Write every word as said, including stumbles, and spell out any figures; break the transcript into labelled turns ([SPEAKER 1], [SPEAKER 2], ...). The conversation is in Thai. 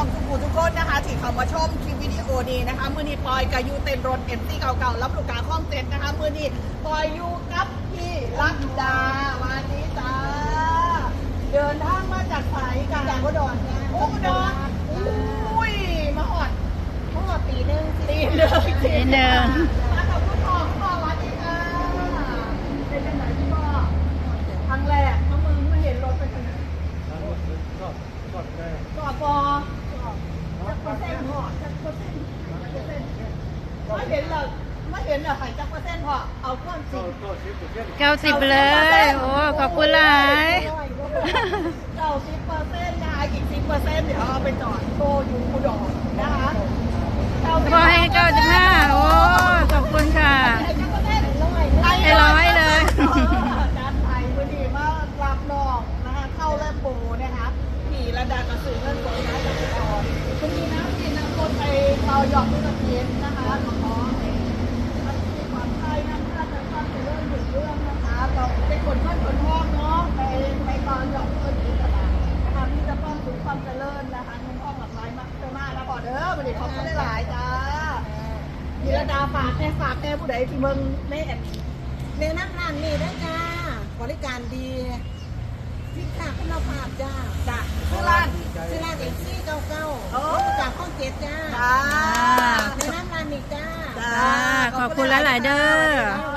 [SPEAKER 1] องทุกผู้ทุกคนนะคะที่เข้ามาชมคลิปวิดีโอนี้นะคะมือนี้ปอยกับยูเต็นรถเอ็มซีเก่าๆรับลูกค้าข้องเต็นนะคะมือนี้ปอยยูกับพี่รักดาวันนี้จ้าเดินทางมาจากสายกันจากอุดรอุดรอุ้ยมาหอดมาหอดตีหนึ่งตีหนึ่งตีหนึ่งมากับคุณพ่อคุณพ่อวันนี้ค่ะเป็นยังไงพี่พ่อครั้งแรกเขามึงมาเห็นรถเป็นยังไงกอดปอจักเปอร์เซ็นต์พอจักเปอร์เซ็นต์ไม่เห็นเหรอไม่เห็นเหรอหายจักเปอร์เซ็นต์พอเอาเครื่องจริง
[SPEAKER 2] เก้าสิบเลย โอ้ขอบคุณหลาย
[SPEAKER 1] เก้าสิบเปอร์เซ็นต์นะคะอีกสิบเปอร์เซ็นต์เดี๋ยวเอาไปจอดโตอยู่อุดรนะคะ
[SPEAKER 2] พอให้เก้าสิบห้าโอ้ขอบคุณค่ะให้ร้อยเลย
[SPEAKER 1] ด้านไทยพอดีมารับน้องนะคะเข้าแลบโบนะคะขี่ระดับกระสือเงินสดนะจากอุดรคุณมีน้ำกินน้ำต้นไปเตาหยอกด้วยกระเทียมนะคะขอมีความไทยน้ำท่าจะฟังเรื่องถึงเรื่องนะคะเราเป็นคนเพื่อนคนห้องเนาะไปไปตอนหยอกเพื่อนที่ตลาดนะคะพี่จะต้องถึงความเจริญนะคะน้องพ่อหลักหลายมากมากนะก่อนเด้อวันนี้เขาก็ได้หลายจ้ามีระดาฝากแม่ฝากแม่ผู้ใดที่เมืองแม่
[SPEAKER 3] เนื้อน้ำร้านนี่ได้จ้าบริการดีพิซซ่าคุณภาพจ้า
[SPEAKER 1] จ้าชื่อร้าน
[SPEAKER 3] ชื่อร้านเอ็กซี่เก้าเก้าจากข้องเจ็ดจ้า
[SPEAKER 1] จ้า
[SPEAKER 3] เนื้อน้ำร้านนี่จ้า
[SPEAKER 2] จ้าขอบคุณหลายๆเด้อ